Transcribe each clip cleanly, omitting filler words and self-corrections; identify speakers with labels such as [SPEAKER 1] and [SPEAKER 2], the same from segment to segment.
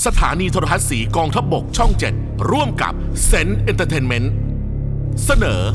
[SPEAKER 1] สถานีโทรทัศน์สีกองทัพบกช่อง 7 ร่วมกับเซนต์เอนเตอร์เทนเมนต์เสนอ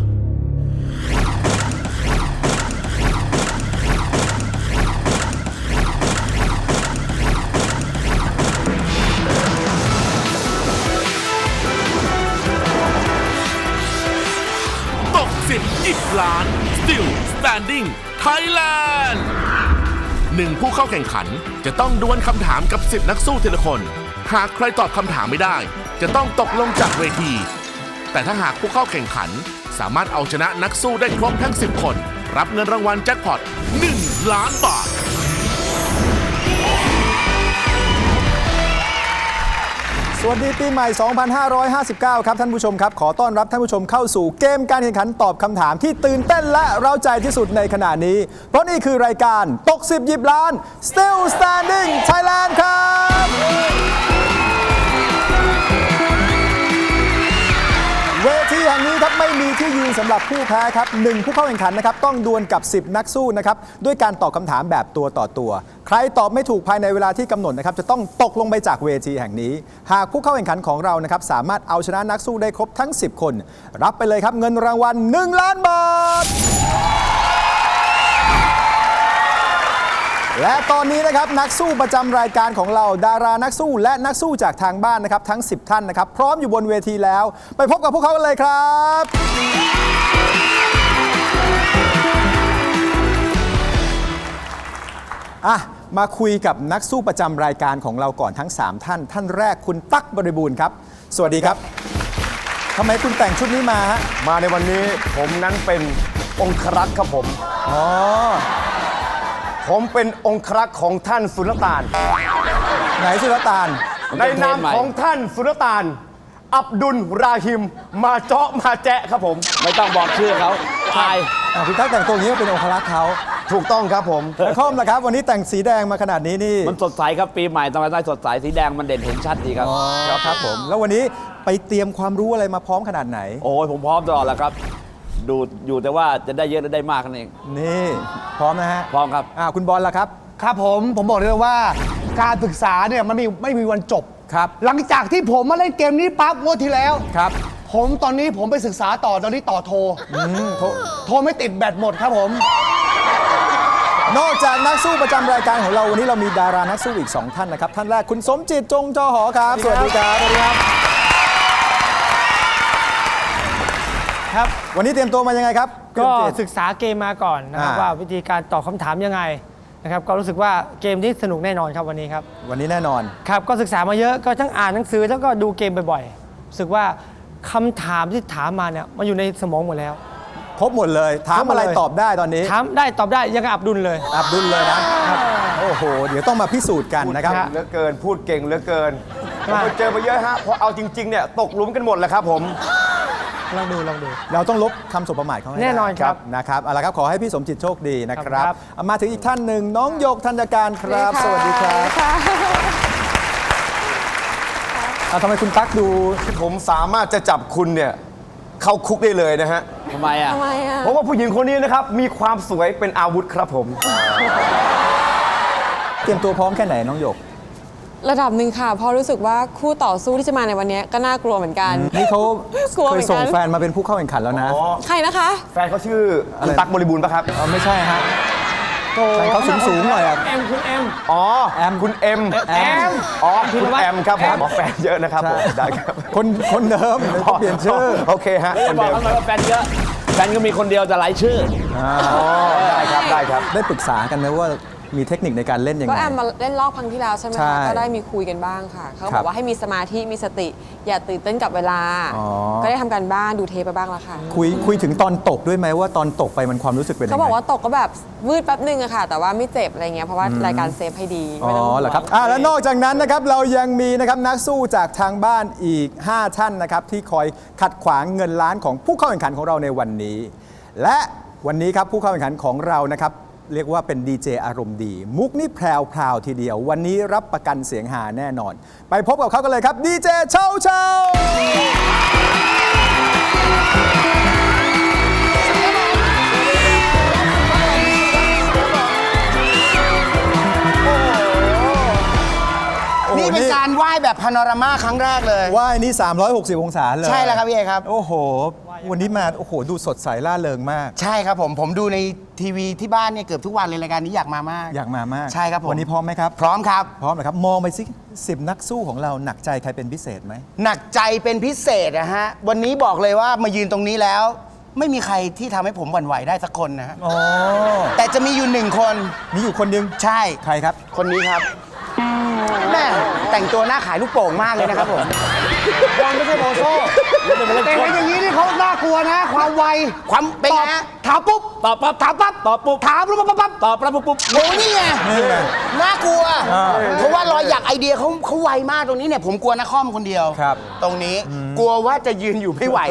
[SPEAKER 1] ตก10 10 ล้าน Still Standing Thailand 1 ผู้เข้าแข่งขันจะต้องดวลคำถามกับ10 นักสู้ทีละคน หากใครตอบคำถามไม่ได้จะต้องตกลงจากเวที แต่ถ้าหากผู้เข้าแข่งขันสามารถเอาชนะนักสู้ได้ครบทั้ง10 คนรับเงินรางวัลแจ็คพอต1 ล้านบาท
[SPEAKER 2] สวัสดีปีใหม่ 2559 ครับท่านผู้ชมครับขอต้อนรับท่านผู้ชมเข้าสู่เกมการแข่งขันตอบคำถามที่ตื่นเต้นและเร้าใจที่สุดในขณะนี้เพราะนี่คือรายการตก10 10 ล้าน Still Standing Thailand ครับเวทีแห่งนี้ครับไม่มีที่ยืนสำหรับผู้แพ้ครับ1ผู้เข้าแข่งขันนะครับต้องดวลกับ10 นักสู้นะครับด้วยการตอบคำถามแบบตัวต่อตัวใครตอบไม่ถูกภายในเวลาที่กำหนดนะครับจะต้องตกลงไปจากเวทีแห่งนี้หากผู้เข้าแข่งขันของเรานะครับสามารถเอาชนะนักสู้ได้ครบทั้ง10 คนรับไปเลยครับเงินรางวัล1 ล้านบาทและตอนนี้นะครับนักสู้ประจำรายการของเราดารานักสู้และนักสู้จากทางบ้านนะครับทั้ง10 ท่านนะครับพร้อมอยู่บนเวทีแล้วไปพบกับพวกเขากันเลยครับมาคุยกับนักสู้ประจำรายการของเราก่อนทั้ง3 ท่านท่านแรกคุณตั๊กบริบูรณ์ครับสวัสดีครับทำไมคุณแต่งชุดนี้มาฮะ
[SPEAKER 3] มาในวันนี้ผมนั้นเป็นองครักษ์ครับผมผมเป็นองครักษ์ของท่านสุลต่าน
[SPEAKER 2] ไหนสุลต่าน
[SPEAKER 3] ในนามของท่านสุลต่านอับดุลราฮิมมาเจาะมาแจะครับผม
[SPEAKER 4] ไม่ต้องบอกชื่อเขาทาย
[SPEAKER 2] คุณตั๊กแต่งตัวอย่างนี้เป็นองครักษ์เขา
[SPEAKER 3] ถูกต้องครับผม
[SPEAKER 2] แล้วคอมล่ะครับวันนี้แต่งสีแดงมาขนาดนี้นี่
[SPEAKER 4] มันสดใสครับปีใหม่ทำไมได้สดใสสีแดงมันเด่นเห็นชัดดีครับ
[SPEAKER 2] ครับผมแล้ววันนี้ไปเตรียมความรู้อะไรมาพร้อมขนาดไหน
[SPEAKER 4] โอ้ยผมพร้อมตลอดแล้วครับดูอยู่แต่ว่าจะได้เยอะหรือได้มากนั่นเอง
[SPEAKER 2] นี่พร้อมนะฮะ
[SPEAKER 4] พร้อมครับ
[SPEAKER 2] คุณบอลล่ะครับ
[SPEAKER 5] ครับผมบอกเลยว่าการศึกษาเนี่ยมันไม่มีวันจบ
[SPEAKER 2] ครับ
[SPEAKER 5] หลังจากที่ผมมาเล่นเกมนี้ปั๊บงวดที่แล้ว
[SPEAKER 2] ครับ
[SPEAKER 5] ผมตอนนี้ผมไปศึกษาต่อตอนนี้ต่อโทรไม่ติดแบตหมดครับผม
[SPEAKER 2] นอกจากนักสู้ประจำรายการของเราวันนี้เรามีดารานักสู้อีก2 ท่านนะครับท่านแรกคุณสมจิตจงจอหอครับสวัสดีครับสวัสดีครับครับวันนี้เตรียมตัวมายังไงครับ
[SPEAKER 6] ก็ศึกษาเกมมาก่อนนะครับว่าวิธีการตอบคำถามยังไงนะครับก็รู้สึกว่าเกมนี้สนุกแน่นอนครับวันนี้ครับ
[SPEAKER 2] วันนี้แน่นอน
[SPEAKER 6] ครับก็ศึกษามาเยอะก็ทั้งอ่านหนังสือแล้วก็ดูเกมบ่อยๆรู้สึกว่าคำถามที่ถามมาเนี่ยมันอยู่ในสมองหมดแล้ว
[SPEAKER 2] ครบหมดเลยถามอะไรตอบได้ตอนนี้
[SPEAKER 6] ถามได้ตอบได้ยังกับอับดุลเลย
[SPEAKER 2] นะโอ้โหเดี๋ยวต้องมาพิสูจน์กันนะครับ
[SPEAKER 3] เหลือเกินพูดเก่งเหลือเกินผมเจอมาเยอะฮะพอเอาจริงๆเนี่ยตกหลุมกันหมดแล้วครับผม
[SPEAKER 6] ลองดู
[SPEAKER 2] เราต้องลบคำสบประมาทเขาให้
[SPEAKER 6] แน่นอนครับ
[SPEAKER 2] นะครับเอาละครับขอให้พี่สมจิตโชคดีนะครับมาถึงอีกท่านหนึ่งน้องหยกธัญการครับสวัสดีครับทำไมคุณตั๊กดู
[SPEAKER 3] ผมสามารถจะจับคุณเนี่ยเข้าคุกได้เลยนะฮะ
[SPEAKER 4] ทำไมอ่ะ
[SPEAKER 3] เพราะว่าผู้หญิงคนนี้นะครับมีความสวยเป็นอาวุธครับผม
[SPEAKER 2] เตรียมตัวพร้อมแค่ไหนน้องหยก
[SPEAKER 7] ระดับหนึ่งค่ะเพราะรู้สึกว่าคู่ต่อสู้ที่จะมาในวันนี้ก็น่ากลัวเหมือนกัน
[SPEAKER 2] นี่เขาเคยส่งแฟนมาเป็นผู้เข้าแข่งขันแล้วนะ
[SPEAKER 7] ใครนะคะ
[SPEAKER 3] แฟนเขาชื่อคุณตั๊กบริบูรณ์ป่ะครับ
[SPEAKER 2] ไม่ใช่ฮะแฟนเขาสูงหน่อย
[SPEAKER 6] คุณเอ็ม
[SPEAKER 3] อ๋อคุณเอ็มอ๋อคุณแอมครับผมแฟนเยอะนะครับผมได้ครับ
[SPEAKER 2] คนเดิมเปลี่ยนชื่อ
[SPEAKER 3] โอเคฮะ
[SPEAKER 4] คนเดิมบอกว่าแฟนเยอะแฟนก็มีคนเดียวแต่หลายชื่อ
[SPEAKER 3] ได้ครับ
[SPEAKER 2] ได้ปรึกษากันไหมว่ามีเทคนิคในการเล่นยังไง
[SPEAKER 7] ก็แอมมาเล่นรอบครั้งที่แล้วใช่ไหมคะก็ได้มีคุยกันบ้างค่ะเขาบอกว่าให้มีสมาธิมีสติอย่าตื่นเต้นกับเวลาก็ได้ทำการบ้านดูเทปไปบ้างแล้วค่ะ
[SPEAKER 2] คุยถึงตอนตกด้วยไหมว่าตอนตกไปมันความรู้สึกเป็นยังไง
[SPEAKER 7] เขาบอกว่าตกก็แบบวืดแป๊บนึงอะค่ะแต่ว่าไม่เจ็บอะไรเงี้ยเพราะว่ารายการเซฟให้ดี
[SPEAKER 2] เหรอครับแล้วนอกจากนั้นนะครับเรายังมีนะครับนักสู้จากทางบ้านอีก5 ท่านนะครับที่คอยขัดขวางเงินล้านของผู้เข้าแข่งขันของเราในวันนี้และวันนี้ครับผู้เข้าแข่งขันของเรานะครับเรียกว่าเป็นดีเจอารมณ์ดีมุกนี่แพรวทีเดียววันนี้รับประกันเสียงหาแน่นอนไปพบกับเขากันเลยครับดีเจเช่า
[SPEAKER 5] นี่นี่เป็นการไหว้แบบพาโนรามาครั้งแรกเลย
[SPEAKER 2] ว่ายนี่360 องศาเลย
[SPEAKER 5] ใช่แล้วครับพี่เอครับ
[SPEAKER 2] โอ้โห วันนี้มาโอ้โหดูสดใสล่าเริงมาก
[SPEAKER 5] ใช่ครับผมดูในทีวีที่บ้านเนี่ยเกือบทุกวันเลยรายการนี้อยากมามาก
[SPEAKER 2] อยากมามาก
[SPEAKER 5] ใช่ครับผม
[SPEAKER 2] วันนี้พร้อมไหมครับ
[SPEAKER 5] พร้อมครับ
[SPEAKER 2] พร้อมเลยครับมองไปสิ10 นักสู้ของเราหนักใจใครเป็นพิเศษไหม
[SPEAKER 5] หนักใจเป็นพิเศษนะฮะวันนี้บอกเลยว่ามายืนตรงนี้แล้ว ไม่มีใครที่ทำให้ผมหวั่นไหวได้สักคนนะฮะ
[SPEAKER 2] อ๋อ
[SPEAKER 5] แต่จะมีอยู่หนึ่งคน
[SPEAKER 2] มีอยู่คนหนึง
[SPEAKER 5] ใช่
[SPEAKER 2] ใครครับ
[SPEAKER 5] คนนี้ครับแม่แต่งตัวหน้าขายลูกโป่งมากเลยนะครับผมบอลไม่ใช่โบโซ่แต่เห็นอย่างนี้นี่เขาน่ากลัวนะ ความไวความเป็นไงฮะถามปุ๊บ
[SPEAKER 4] ตอบปั๊บ
[SPEAKER 5] ถามปั๊บ
[SPEAKER 4] ตอบปุ๊บ
[SPEAKER 5] ถามปุ๊บปั๊บปั๊บ
[SPEAKER 4] ตอบปั๊บปุ๊บ
[SPEAKER 5] โอ้นี่ไง
[SPEAKER 2] นี่ไง
[SPEAKER 5] น่ากลัว เพราะว่ารอยหยักไอเดียเขาไวมากตรงนี้เนี่ยผมกลัวนักคอมคนเดียว
[SPEAKER 2] ครับ
[SPEAKER 5] ตรงนี้กลัวว่าจะยืนอยู่ไม่ไหว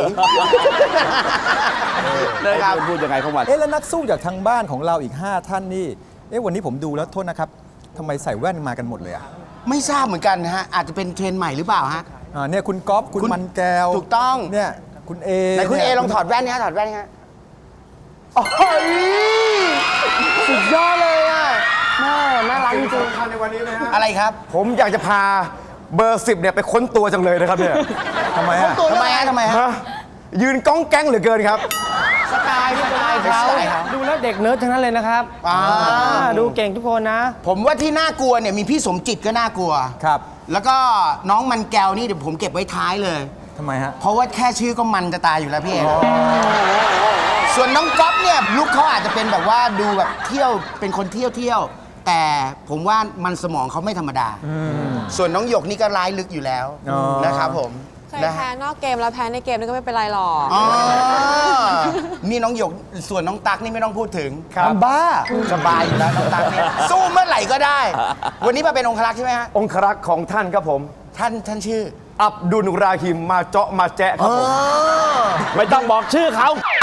[SPEAKER 5] เลยครับ
[SPEAKER 4] พูดยังไงของมัน
[SPEAKER 2] เอ๊ะแล้วนักสู้จากทางบ้านของเราอีก 5 ท่านนี่เอ๊ะวันนี้ผมดูแล้วโทษนะครับทำไมใส่แว่นมากันหมดเลยอ่ะ
[SPEAKER 5] ไม่ทราบเหมือนกันนะฮะอาจจะเป็นเทรนด์ใหม่หรือเปล่าฮะ
[SPEAKER 2] เนี่ยคุณก๊อฟคุณมันแก้ว
[SPEAKER 5] ถูกต้อง
[SPEAKER 2] เนี่ยคุณเอ
[SPEAKER 5] ไหนคุณเอ
[SPEAKER 2] นี่ย
[SPEAKER 5] ลองถอดแว่นนี่ฮะถอดแว่นนี่ฮะโอ้ยสุดยอดเลยอ่ะน่ารักจริงๆอะไรครับ
[SPEAKER 3] ผมอยากจะพาเบอร์ 10เนี่ยไปค้นตัวจังเลยนะครับเนี่ย
[SPEAKER 2] ทำไมอ่ะ
[SPEAKER 5] ทำไมฮะทำไมฮะ
[SPEAKER 3] ฮะยืนก้องแก๊งเหลือเกินครับ
[SPEAKER 5] สไตล์เขา
[SPEAKER 6] ดูแล้วเด็กเนิร์ดทั้งนั้นเลยนะครับดูเก่งทุกคนนะ
[SPEAKER 5] ผมว่าที่น่ากลัวเนี่ยมีพี่สมจิตก็น่ากลัว
[SPEAKER 2] ครับ
[SPEAKER 5] แล้วก็น้องมันแก้วนี่เดี๋ยวผมเก็บไว้ท้ายเลย
[SPEAKER 2] ทำไมฮะ
[SPEAKER 5] เพราะว่าแค่ชื่อก็มันจะตายอยู่แล้วพี่เอกส่วนน้องก๊อฟเนี่ยลุคเขาอาจจะเป็นแบบว่าดูแบบเที่ยวเป็นคนเที่ยวแต่ผมว่ามันสมองเขาไม่ธรรมดา ส่วนน้องหยกนี่ก็ร้ายลึกอยู่แล้ว
[SPEAKER 2] อ๋อ
[SPEAKER 5] นะครับผม
[SPEAKER 7] เคย
[SPEAKER 5] นะ
[SPEAKER 7] แพ้นอกเกมแล้วแพ้ในเกมนี่ก็ไม่เป็นไรหรอก
[SPEAKER 5] อ๋อนี่น้องหยกส่วนน้องตั๊กนี่ไม่ต้องพูดถึง
[SPEAKER 3] ครับบ้า
[SPEAKER 5] สบายอยู่แล้วน้องตั๊กเนี่ยสู้เมื่อไหร่ก็ได้ วันนี้มาเป็นองครักษ์ใช่ไหมฮะ
[SPEAKER 3] องครักษ์ของท่านครับผม
[SPEAKER 5] ท่านชื่อ
[SPEAKER 3] อับดุลราฮิมมาเจาะมาแจะครับผม
[SPEAKER 4] ไม่ต้องบอกชื่อเขาไอ้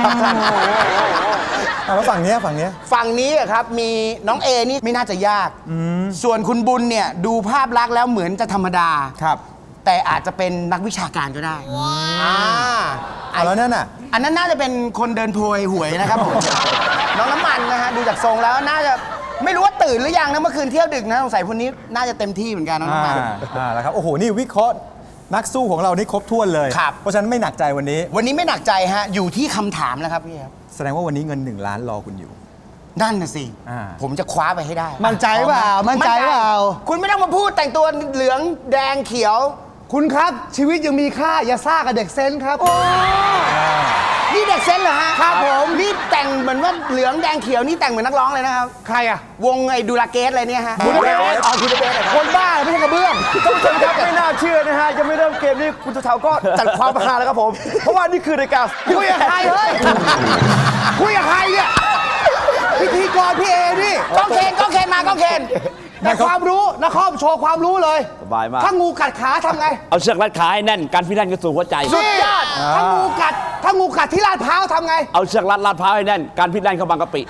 [SPEAKER 2] แล้วฝั่งเนี้ย
[SPEAKER 5] ฝั่งนี้อะครับมีน้องเอนี่ไม่น่าจะยาก ส่วนคุณบุญเนี่ยดูภาพลักษณ์แล้วเหมือนจะธรรมดา
[SPEAKER 2] ครับ
[SPEAKER 5] แต่อาจจะเป็นนักวิชาการก็ได้อ่า
[SPEAKER 2] แล้วนั่นน่ะ
[SPEAKER 5] อันนั้นน่าจะเป็นคนเดินโพยหวยนะครับผม น้องน้ำมันนะฮะดูจากทรงแล้วน่าจะไม่รู้ว่าตื่นหรือยังนะเมื่อคืนเที่ยวดึกนะสงสัยคนนี้น่าจะเต็มที่เหมือนกันน้องน้ำมัน
[SPEAKER 2] แล้วครับโอ้โหนี่วิเคราะห์นักสู้ของเรานี่ครบถ้วนเลย
[SPEAKER 5] ครับ
[SPEAKER 2] เพราะฉะนั้นไม่หนักใจวันนี้
[SPEAKER 5] วันนี้ไม่หนักใจฮะอยู่ที่คำถามแล้วครับพี่ครับ
[SPEAKER 2] แสดงว่าวันนี้เงิน1 ล้านรอคุณอยู่
[SPEAKER 5] นั่นน่ะสิ
[SPEAKER 2] อ่า
[SPEAKER 5] ผมจะคว้าไปให้ได้
[SPEAKER 3] มั่นใจเปล่ามั่นใจเปล่า
[SPEAKER 5] คุณไม่ต้องมาพูดแต่งตัวเหลืองแดงเขียว
[SPEAKER 3] คุณครับชีวิตยังมีค่าอย่าซ่ากับเด็กเซนครับ
[SPEAKER 5] นี่เด็กเซนเหรอฮะครับผมนี่แต่งเหมือนว่าเหลืองแดงเขียวนี่แต่งเหมือนนักร้องเลยนะครับ
[SPEAKER 3] ใครอ่ะ
[SPEAKER 5] วงไอ้ดูลาเกสอะไรเนี่ยฮะ
[SPEAKER 3] บูดาเปสต์คุณบูดาเปสต์คนบ้าไม่ใช่กระเบื้องท่านผู้ชมครับไม่น่าเชื่อนะฮะยังไม่เริ่มเกมนี้คุณเถาก็จัดความฮาแล้วครับผม เพราะว่านี่คือรายการคุยกับใครเฮ้ยคุยกับใครเนี่ยพิธีกรพี่เอนี่
[SPEAKER 5] ก้องเคนมาก้องเคน
[SPEAKER 3] แต่ความรู้นครโชว์ความรู้เลย
[SPEAKER 4] สบายมาก
[SPEAKER 3] ถ้างูกัดขาทำไง
[SPEAKER 4] เอาเชือกรัดขาให้แน่นการพิแน่นก็สู่หัวใจ
[SPEAKER 3] สุดยอดถ้างูกัดที่ลาดพร้าวทำไง
[SPEAKER 4] เอาเชือกรัดลาดพร้าวให้แน่นการพิแน่นเข้าบางกะปิ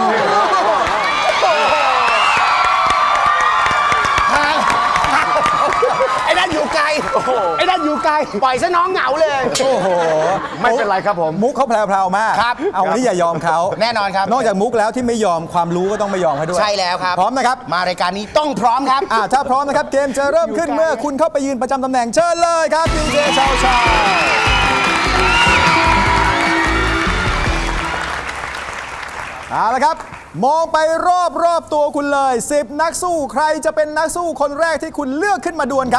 [SPEAKER 5] ไอ้นั่นอยู่ไกล
[SPEAKER 3] ไอ้นั่นอยู่ไกล
[SPEAKER 5] ปล่อยซะน้องเหงาเลย
[SPEAKER 2] โอ้โห
[SPEAKER 3] ไม่เป็นไรครับผม
[SPEAKER 2] มุกเขาแพรวๆมาก
[SPEAKER 5] ครับ
[SPEAKER 2] เอาวันนี้อย่ายอมเขา
[SPEAKER 5] แน่นอนครับ
[SPEAKER 2] นอกจากมุกแล้วที่ไม่ยอมความรู้ก็ต้องไม่ยอมเขาด้วย
[SPEAKER 5] ใช่แล้วครับ
[SPEAKER 2] พร้อมนะครับ
[SPEAKER 5] มารายการนี้ต้องพร้อมครับ
[SPEAKER 2] ถ้าพร้อมนะครับเกมจะเริ่มขึ้นเมื่อคุณเข้าไปยืนประจำตำแหน่งเชิญเลยครับดีเจชาวชาเอาละครับ มองไปรอบตัวคุณเลย10 นักสู้ใครจะเป็นนักสู้คนแรกที่คุณเลือกขึ้นมาดวลครับ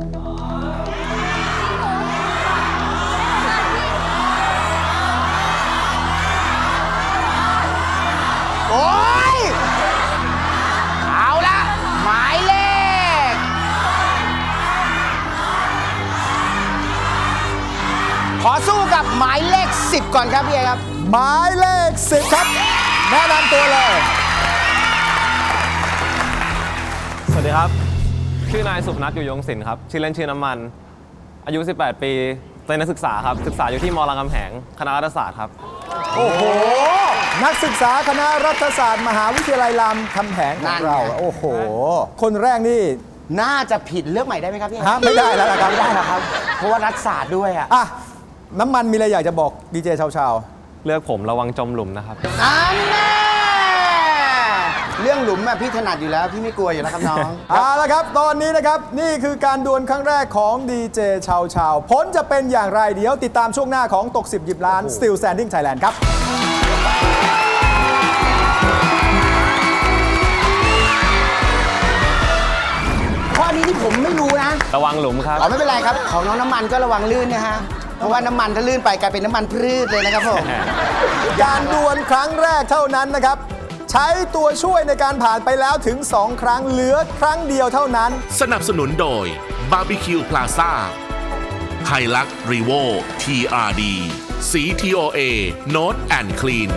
[SPEAKER 5] โอ้ยเอาละหมายเลขขอสู้กับหมายเลข 10 ก่อนครับพี่เอครับ
[SPEAKER 2] หมายเลข10ครับแนะนำตัวเลย
[SPEAKER 8] สวัสดีครับ ชื่อนายสุพนัทอยู่ยงศิลป์ครับ ชื่อเล่นชื่อน้ำมัน อายุ 18 ปีเป็นนักศึกษาครับ ศึกษาอยู่ที่มรามคำแหง คณะรัฐศาสตร์ครับ
[SPEAKER 2] โอ้โห นักศึกษาคณะรัฐศาสตร์มหาวิทยาลัยรามคำแหงของเรา โอ้โห คนแรกนี่
[SPEAKER 5] น่าจะผิดเลือกใหม่ได้ไหมครับพี่
[SPEAKER 2] ฮะไม่ได้แล้วล่ะครับ
[SPEAKER 5] ไม่ได้หรอครับ เพราะว่ารัฐศาสตร์ด้วยอ่ะ
[SPEAKER 2] อ่ะ น้ำมันมีอะไรอยากจะบอกดีเจชาว
[SPEAKER 8] เลือกผมระวังจมหลุมนะครับ
[SPEAKER 5] อันแน่เรื่องหลุมอะพี่ถนัดอยู่แล้ว พี่ไม่กลัวอยู่แล้วครับน้อง
[SPEAKER 2] เอาละครับ ตอนนี้นะครับ นี่คือการดวลครั้งแรกของดีเจชาวชาวผลจะเป็นอย่างไรเดี๋ยวติดตามช่วงหน้าของตก 10 หยิบล้าน Still Standing Thailand ครับ
[SPEAKER 5] ข้อนี้ที่ผมไม่รู้นะ
[SPEAKER 8] ระวังหลุมครับ
[SPEAKER 5] อ๋อไม่เป็นไรครับ ของน้องน้ำมันก็ระวังลื่นนะฮะ เพราะว่าน้ำมันถ้าลื่นไปกลายเป็นน้ำมันพืชเลยนะครับผม
[SPEAKER 2] การดวลครั้งแรกเท่านั้นนะครับ ใช้ตัวช่วยในการผ่านไปแล้วถึง 2 ครั้งเหลือครั้งเดียวเท่านั้น
[SPEAKER 1] สนับสนุนโดย Barbecue Plaza ไฮลักรีโว TRD สี TOA Note and Clean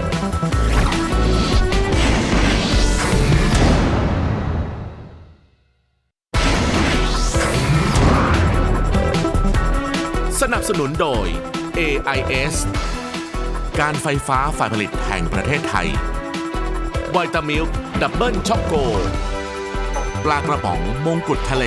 [SPEAKER 1] สนับสนุนโดย AIS การไฟฟ้าฝ่ายผลิตแห่งประเทศไทยไวตามิลดับเบิลช็อกโกปลากระป๋องมงกุฎทะเล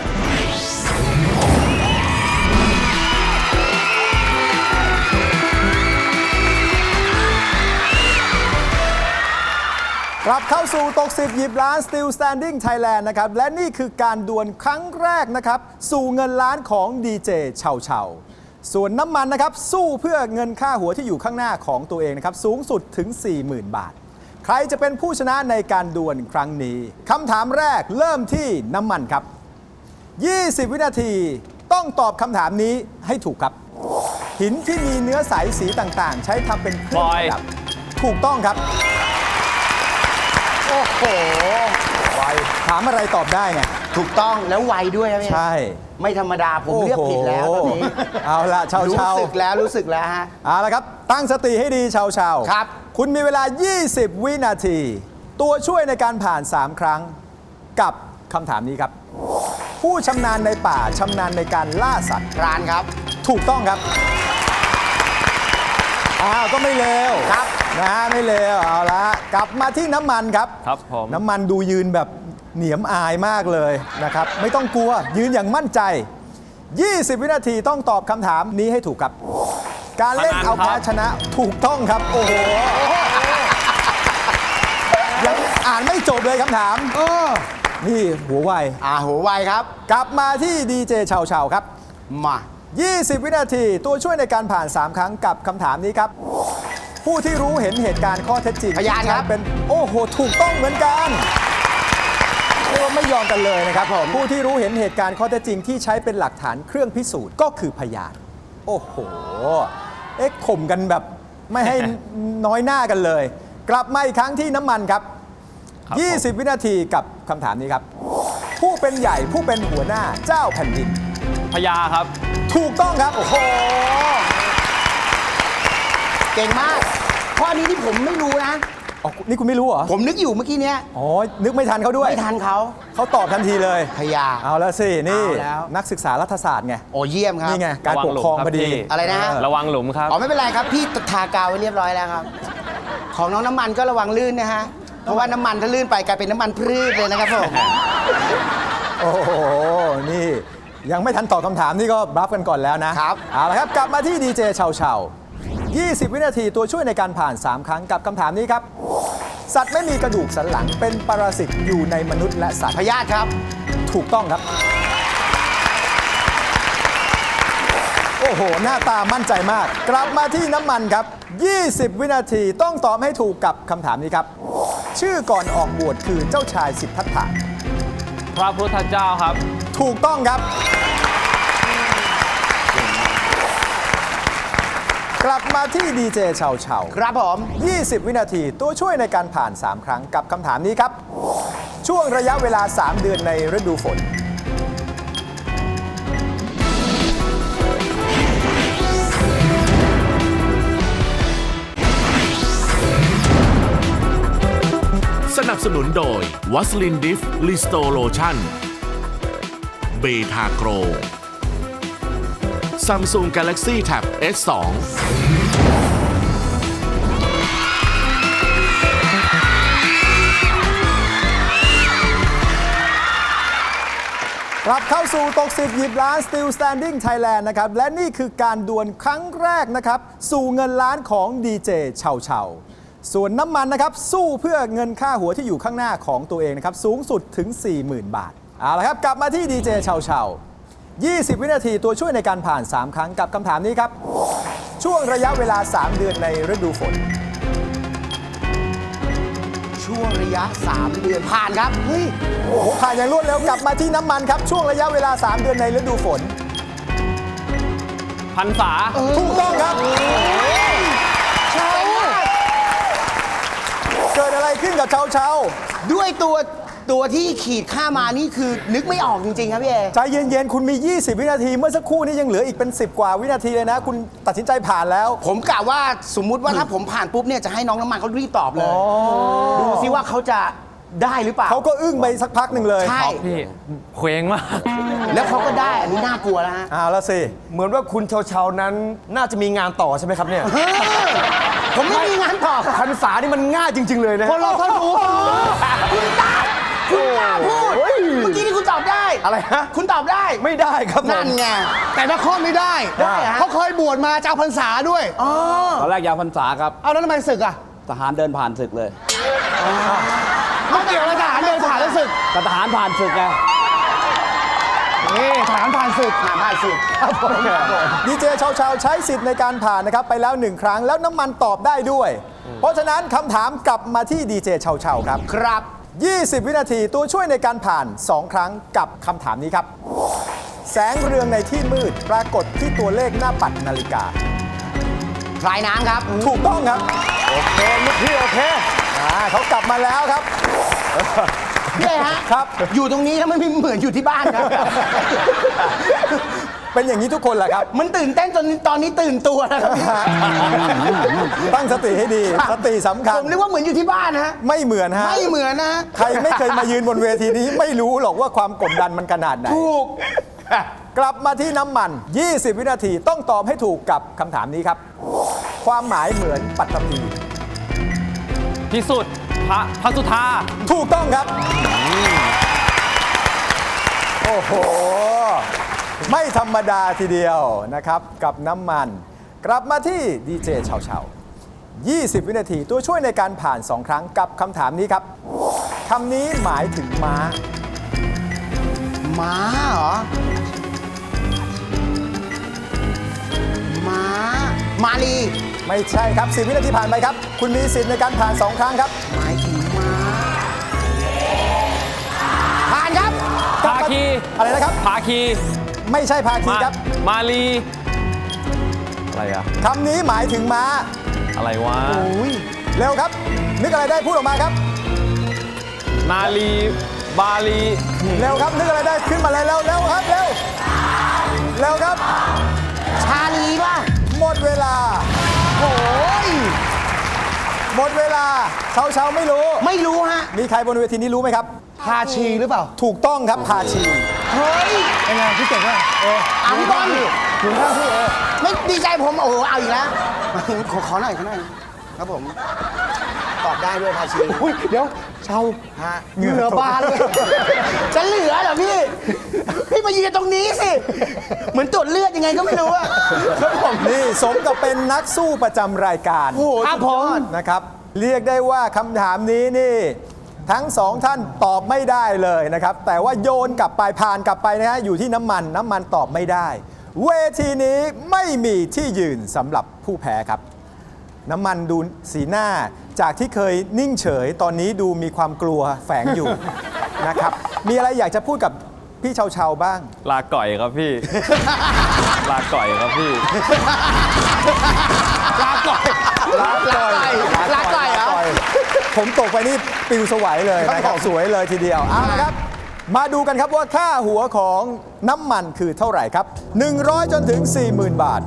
[SPEAKER 2] กลับเข้าสู่ตก 10 หยิบล้าน Still Standing Thailand นะครับ และนี่คือการดวลครั้งแรกนะครับ สู่เงินล้านของดีเจเฉาเฉาส่วนน้ำมันนะครับ สู้เพื่อเงินค่าหัวที่อยู่ข้างหน้าของตัวเองนะครับ สูงสุดถึง 40,000 บาท ใครจะเป็นผู้ชนะในการดวลครั้งนี้คำถามแรกเริ่มที่น้ำมันครับ 20 วินาทีต้องตอบคำถามนี้ให้ถูกครับ หินที่มีเนื้อใสสีต่างๆ ใช้ทำเป็นเครื่องประดับถูกต้องครับ
[SPEAKER 5] โอ้โห
[SPEAKER 2] ไวถามอะไรตอบได้ไง
[SPEAKER 5] ถูกต้องแล้วไวด้วยครับเนี่ย
[SPEAKER 2] ใช่
[SPEAKER 5] ไม่ธรรมดาผมเลือกผิดแล้วตอนนี้
[SPEAKER 2] เอาละเชา
[SPEAKER 5] รู้
[SPEAKER 2] เชา
[SPEAKER 5] สึกแล้วฮะ
[SPEAKER 2] เอาละครับ ตั้งสติให้ดีเชาเชา
[SPEAKER 5] ครับ
[SPEAKER 2] คุณมีเวลา 20 วินาที ตัวช่วยในการผ่าน 3 ครั้ง กับคำถามนี้ครับ ผู้ชำนาญในป่าชำนาญในการล่าสัตว์
[SPEAKER 5] ร้านครับ
[SPEAKER 2] ถูกต้องครับก็ไม่เลว
[SPEAKER 5] ครับ
[SPEAKER 2] นะฮะไม่เลวเอาละกลับมาที่น้ำมันครับ
[SPEAKER 8] ครับผม
[SPEAKER 2] น้ำมันดูยืนแบบเหนียมอายมากเลยนะครับ ไม่ต้องกลัวยืนอย่างมั่นใจ 20 วินาทีต้องตอบคำถามนี้ให้ถูกครับ การเล่นเอาแพ้ชนะถูกต้องครับ โอ้โหยังอ่านไม่จบเลยคำถามนี่หัวไว
[SPEAKER 5] หัวไวครับ
[SPEAKER 2] กลับมาที่ดีเจเฉาเฉาครับ
[SPEAKER 5] มา
[SPEAKER 2] 20 วินาทีตัวช่วยในการผ่าน 3 ครั้งกับคำถามนี้ครับ ผู้ที่รู้เห็นเหตุการณ์ข้อเท็จจริง
[SPEAKER 5] พยานครับ
[SPEAKER 2] ที่ใช้เป็นโอ้โหถูกต้องเหมือนกันเรียกว่าไม่ยอมกันเลยนะครับผมผู้ที่รู้เห็นเหตุการณ์ข้อเท็จจริงที่ใช้เป็นหลักฐานเครื่องพิสูจน์ก็คือพยานโอ้โหข่มกันแบบไม่ให้ น้อยหน้ากันเลย กลับมาอีกครั้งที่น้ำมันครับ 20 วินาทีกับคำถามนี้ครับ ผู้เป็นใหญ่ผู้เป็นหัวหน้าเจ้าแผ่นดิน
[SPEAKER 8] พญาครับ
[SPEAKER 2] ถูกต้องครับ โอ้โห
[SPEAKER 5] เก่งมาก ข้อนี้ที่ผมไม่รู้นะ
[SPEAKER 2] อ๋อนี่คุณไม่รู้เหรอ
[SPEAKER 5] ผมนึกอยู่เมื่อกี้เนี้ย
[SPEAKER 2] อ๋อ นึกไม่ทันเขาด้วย
[SPEAKER 5] ไม่ทันเขา
[SPEAKER 2] เขาตอบทันทีเลย
[SPEAKER 5] พยา
[SPEAKER 2] เอาแล้วสิ นี่
[SPEAKER 5] เอาแล้ว
[SPEAKER 2] นักศึกษารัฐศาสตร์ไง
[SPEAKER 5] โอ้เยี่ยมครับ
[SPEAKER 2] นี่ไง การปกครองพอดี
[SPEAKER 8] ระวังหลุมครับพี่
[SPEAKER 5] อะไรนะฮะ
[SPEAKER 8] ระวังหลุมครับ
[SPEAKER 5] อ๋อไม่เป็นไรครับ พี่ทากาวไว้เรียบร้อยแล้วครับ ของน้องน้ำมันก็ระวังลื่นนะฮะ เพราะว่าน้ำมันถ้าลื่นไปกลายเป็นน้ำมันพืชเลยนะครับผม
[SPEAKER 2] โอ้โห นี่ยังไม่ทันตอบคำถามนี่ก็บลัฟกันก่อนแล้วนะครับ เอาละครับ กลับมาที่ดีเจเฉาเฉา20 วินาทีตัวช่วยในการผ่าน 3 ครั้งกับคำถามนี้ครับ สัตว์ไม่มีกระดูกสันหลังเป็นปรสิตอยู่ในมนุษย์และสัตว์
[SPEAKER 5] พยาธิครับ
[SPEAKER 2] ถูกต้องครับ โอ้โห หน้าตามั่นใจมาก กลับมาที่น้ำมันครับ 20 วินาทีต้องตอบให้ถูกกับคำถามนี้ครับ ชื่อก่อนออกบวชคือเจ้าชายสิทธัตถะ
[SPEAKER 8] พระพุทธเจ้าครับ
[SPEAKER 2] ถูกต้องครับ กลับมาที่ดีเจเฉาเฉา
[SPEAKER 5] ครับผม
[SPEAKER 2] 20 วินาทีตัวช่วยในการผ่าน 3 ครั้งกับคำถามนี้ครับ ช่วงระยะเวลา 3 เดือนในฤดูฝน
[SPEAKER 1] สนับสนุนโดยวัสลินดิฟลิสโตโลชั่นเบทาโกร Samsung Galaxy Tab S2
[SPEAKER 2] กลับเข้าสู่ตก 10 หยิบล้าน Still Standing Thailand นะครับ และนี่คือการดวลครั้งแรกนะครับ สู่เงินล้านของดีเจเฉาเฉาส่วนน้ำมันนะครับสู้เพื่อเงินค่าหัวที่อยู่ข้างหน้าของตัวเองนะครับสูงสุดถึง 40,000 บาทเอาละครับกลับมาที่ดีเจเชา20 วินาทีตัวช่วยในการผ่าน 3 ครั้งกับคำถามนี้ครับช่วงระยะเวลา 3 เดือนในฤดูฝน
[SPEAKER 5] ช่วงระยะ 3 เดือนผ่านครับ เฮ้ย
[SPEAKER 2] โอ้โหผ่านอย่างรวดเร็วกลับมาที่น้ำมันครับช่วงระยะเวลา 3 เดือนในฤดูฝน
[SPEAKER 8] พรรษา
[SPEAKER 2] ถูกต้องครับเกิดอะไรขึ้นกับเชา
[SPEAKER 5] ด้วยตัวที่ขีดค่ามานี่คือนึกไม่ออกจริง ๆ ครับพี่เอ
[SPEAKER 2] ใจเย็นๆคุณมี 20 วินาทีเมื่อสักครู่นี้ยังเหลืออีกเป็น 10 กว่าวินาทีเลยนะ คุณตัดสินใจผ่านแล้ว
[SPEAKER 5] ผมกะว่าสมมุติว่าถ้าผมผ่านปุ๊บเนี่ยจะให้น้องน้ำมันเขารีบตอบเลย ดูซิว่าเขาจะได้หรือเปล่า
[SPEAKER 2] เขาก็อึ้งไปสักพักหนึ่งเลย
[SPEAKER 5] ใช่
[SPEAKER 8] พี่เคว้งมาก
[SPEAKER 5] แล้วเขาก็ได้ อันนี้น่ากลัวแล้วฮะ
[SPEAKER 2] เอาละสิ
[SPEAKER 3] เหมือนว่าคุณเชาๆนั้นน่าจะมีงานต่อใช่ไหมครับเนี่ย
[SPEAKER 5] ผมไม่มีงานต่อ
[SPEAKER 3] พรรษานี่มันง่ายจริง ๆ เลยนะ
[SPEAKER 5] คนเราเขารู้คุณตาพูด
[SPEAKER 3] เฮ้ย
[SPEAKER 5] เมื่อกี้นี่คุณตอบได้
[SPEAKER 3] อะไรฮะ
[SPEAKER 5] คุณตอบได้
[SPEAKER 3] ไม่ได้ครับผม
[SPEAKER 5] นั่นไง
[SPEAKER 9] แต่นครไม่ได้
[SPEAKER 5] ได้ฮะ
[SPEAKER 9] เขาเคยบวชมาจะเอาพรรษาด้วย
[SPEAKER 4] ตอนแรกยาวพรรษาครับ
[SPEAKER 9] เอาแล้วทำไมศึกอ่ะ
[SPEAKER 4] ทหารเดินผ่านศึกเลย
[SPEAKER 9] ไม่เกี่ยวอะไรทหารเดินผ่านแล้วศึก
[SPEAKER 4] แต่ทหารผ่านศึกไง
[SPEAKER 9] นี่ทหารผ่านศึก
[SPEAKER 5] ผ่านสิ
[SPEAKER 2] ดีเจเชาใช้สิทธิ์ในการผ่านนะครับไปแล้ว 1 ครั้งแล้วน้ำมันตอบได้ด้วย เพราะฉะนั้นคำถามกลับมาที่ดีเจเชาครับ
[SPEAKER 5] ครับ
[SPEAKER 2] 20 วินาทีตัวช่วยในการผ่าน 2 ครั้งกับคำถามนี้ครับ แสงเรืองในที่มืดปรากฏที่ตัวเลขหน้าปัดนาฬิกา
[SPEAKER 5] พลายน้ำครับ
[SPEAKER 2] ถูกต้องครับ
[SPEAKER 3] โอเคลูกพี่โอเค
[SPEAKER 2] เขากลับมาแล้วครับ
[SPEAKER 5] พี่เอฮะ
[SPEAKER 2] ครับ
[SPEAKER 5] อยู่ตรงนี้แล้วมันไม่เหมือนอยู่ที่บ้านครับ
[SPEAKER 2] เป็นอย่างนี้ทุกคนแหละครับ
[SPEAKER 5] มันตื่นเต้นจนตอนนี้ตื่นตัวนะครับ
[SPEAKER 2] ตั้งสติให้ดี สติสำคัญ
[SPEAKER 5] ผมนึกว่าเหมือนอยู่ที่บ้านนะฮะ
[SPEAKER 2] ไม่เหมือนฮะ
[SPEAKER 5] ไม่เหมือนนะ
[SPEAKER 2] ใครไม่เคยมายืนบนเวทีนี้ไม่รู้หรอกว่าความกดดันมันขนาดไหน
[SPEAKER 5] ถูก
[SPEAKER 2] กลับมาที่น้ำมัน 20 วินาทีต้องตอบให้ถูกกับคำถามนี้ครับ ความหมายเหมือนปัตตภี
[SPEAKER 8] พิสุทธิ์พระสุธา
[SPEAKER 2] ถูกต้องครับ โอ้โห ไม่ธรรมดาทีเดียวนะครับกับน้ำมัน กลับมาที่ดีเจเฉา20 วินาทีตัวช่วยในการผ่าน 2 ครั้งกับคำถามนี้ครับคำนี้หมายถึงม้า
[SPEAKER 5] ม้าเหรอ มาลี
[SPEAKER 2] ไม่ใช่ครับ 10 วินาทีผ่านไปครับ คุณมีสิทธิ์ในการผ่าน 2 ครั้งครับ
[SPEAKER 5] หมายถึงม้า ผ่านครับ
[SPEAKER 8] ภาคี
[SPEAKER 2] อะไรนะครับ
[SPEAKER 8] ภาคี
[SPEAKER 2] ไม่ใช่ภาคีครับ
[SPEAKER 8] มาลีอะไรอะ
[SPEAKER 2] คำนี้หมายถึงม้า
[SPEAKER 8] อะไรวะ
[SPEAKER 2] เร็วครับ นึกอะไรได้พูดออกมาครับ
[SPEAKER 8] นาลีบาลี
[SPEAKER 2] เร็วครับ นึกอะไรได้ขึ้นมาเลยเร็วเร็วครับเร็วเร็วครับ
[SPEAKER 5] ชาลีป่ะ
[SPEAKER 2] หมดเวลาโอ้ยหมดเวลาเชาไม่รู้
[SPEAKER 5] ไม่รู้ฮะ
[SPEAKER 2] มีใครบนเวทีนี้รู้ไหมครับ
[SPEAKER 9] พาชีหรือเปล่า
[SPEAKER 2] ถูกต้องครับพาชี
[SPEAKER 5] เฮ้ย
[SPEAKER 9] เป็นไงพี่เก่งว่ะ
[SPEAKER 5] เอาพี่บอล
[SPEAKER 9] ถึงข้างพี่เอ
[SPEAKER 5] ไม่ดีใจผม โอ้โห เอาอีกแล้ว ขอหน่อยครับผม ตอบได้ด้วยภาชี
[SPEAKER 9] อุ้ยเดี๋ยวเชา
[SPEAKER 5] ฮะ
[SPEAKER 9] เหงื่อบานเลย
[SPEAKER 5] จะเหลือเหรอพี่ พี่มายืนตรงนี้สิ เหมือนตรวจเลือดยังไงก็ไม่รู้อะครับผม
[SPEAKER 2] นี่สมกับเป็นนักสู้ประจำรายการ
[SPEAKER 5] โอ้โห
[SPEAKER 9] ครับ
[SPEAKER 5] สุดยอด
[SPEAKER 2] นะครับ เรียกได้ว่าคำถามนี้นี่ทั้งสองท่านตอบไม่ได้เลยนะครับ แต่ว่าโยนกลับไปผ่านกลับไปนะฮะอยู่ที่น้ำมันตอบไม่ได้ เวทีนี้ไม่มีที่ยืนสำหรับผู้แพ้ครับ น้ำมันดูสีหน้าจากที่เคยนิ่งเฉยตอนนี้ดูมีความกลัวแฝงอยู่ นะครับ มีอะไรอยากจะพูดกับพี่เชาบ้าง
[SPEAKER 8] ลาก่อยครับพี่ ลาก่อยครับพี่
[SPEAKER 5] ลาก่อยลาก่อยเหรอ
[SPEAKER 2] ผมตกไปนี่ปิวสวัยเลยนะครับสวยเลยทีเดียวเอาละครับ มาดูกันครับว่าค่าหัวของน้ำมันคือเท่าไหร่ครับ 100 จนถึง 40,000 บาท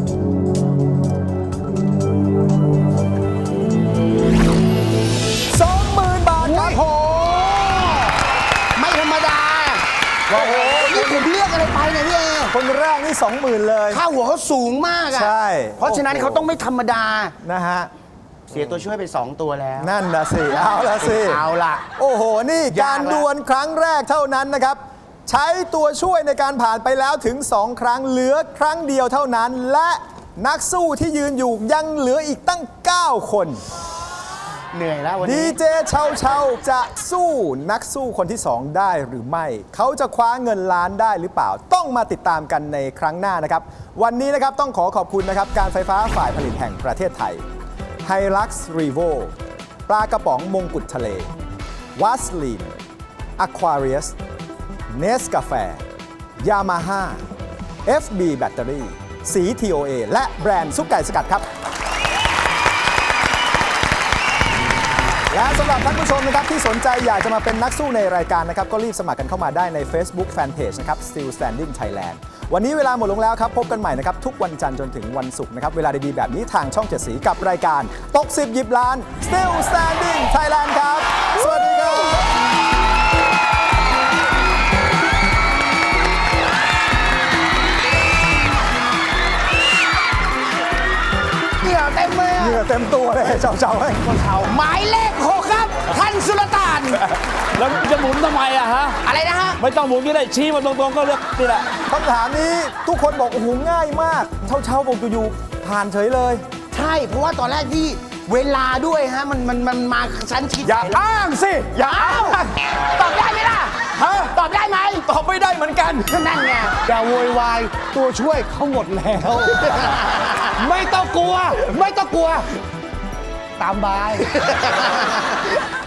[SPEAKER 2] 20,000 บาทครับ
[SPEAKER 5] ไม่ธรรมดา
[SPEAKER 2] โอ้โห
[SPEAKER 5] นี่ผมเลือกอะไรไปเนี่ยพี่เอ
[SPEAKER 2] คนแรกนี่ 20,000 เลย
[SPEAKER 5] ค่าหัวเขาสูงมากอะ
[SPEAKER 2] ใช่
[SPEAKER 5] เพราะฉะนั้นเขาต้องไม่ธรรมดา
[SPEAKER 2] นะฮะ
[SPEAKER 5] เสียตัวช่วยไป 2 ตัวแล้ว
[SPEAKER 2] นั่นนะสิ เอาละสิ
[SPEAKER 5] เอาล่ะ
[SPEAKER 2] โอ้โห นี่การ
[SPEAKER 5] ยากละ
[SPEAKER 2] ดวลครั้งแรกเท่านั้นนะครับ ใช้ตัวช่วยในการผ่านไปแล้วถึง 2 ครั้งเหลือครั้งเดียวเท่านั้น และนักสู้ที่ยืนอยู่ยังเหลืออีกตั้ง 9 คน
[SPEAKER 5] เหนื่อยแล้ววัน
[SPEAKER 2] ดี
[SPEAKER 5] นี้
[SPEAKER 2] เจเชาเชาจะสู้นักสู้คนที่ 2 ได้หรือไม่ เขาจะคว้าเงินล้านได้หรือเปล่า ต้องมาติดตามกันในครั้งหน้านะครับ วันนี้นะครับต้องขอบคุณนะครับการไฟฟ้าฝ่ายผลิตแห่งประเทศไทย Hilux Revo ปลากระป๋องมงกุฎทะเลวัสลีน Aquarius เนสกาแฟ Yamaha FB แบตเตอรี่สี TOA และแบรนด์ซุปไก่สกัดครับ และสำหรับท่านผู้ชมนะครับที่สนใจอยากจะมาเป็นนักสู้ในรายการนะครับก็รีบสมัครกันเข้ามาได้ใน Facebook Fanpage นะครับ Still Standing Thailand วันนี้เวลาหมดลงแล้วครับ พบกันใหม่นะครับทุกวันจันทร์จนถึงวันศุกร์นะครับเวลาดีๆแบบนี้ทางช่อง7สีกับรายการตก10หยิบล้าน Still Standing Thailand ครับ สวัสดีครับ
[SPEAKER 5] เหงื่อเต็มเลย
[SPEAKER 2] เหงื่อเต็มตัวเลยเจ้าๆให้คนเทา
[SPEAKER 5] หมายเลข 6 ครับ ท่านสุลต่าน
[SPEAKER 4] แล้วจะหมุนทำไมอะฮะ
[SPEAKER 5] อะไรนะฮะ
[SPEAKER 4] ไม่ต้องหมุนก็ได้ชี้มาตรงๆก็เลือกนี่แหละ
[SPEAKER 2] คำถามนี้ทุกคนบอกโอ้โหง่ายมากเช่าๆบอกอยู่ๆผ่านเฉยเลย
[SPEAKER 5] ใช่ เพราะว่าตอนแรกที่เวลาด้วยฮะ มันมาชั้นชิด
[SPEAKER 2] อย่าอ้างสิ อย่าอ้าง
[SPEAKER 5] ตอบได้ไหมล่ะ
[SPEAKER 2] ฮะ
[SPEAKER 5] ตอบได้ไหม
[SPEAKER 2] ตอบไม่ได้เหมือนกัน
[SPEAKER 5] นั่นไง
[SPEAKER 9] อย่าโวยวายตัวช่วยเขาหมดแล้ว ไม่ต้องกลัว ไม่ต้องกลัว ตามบาย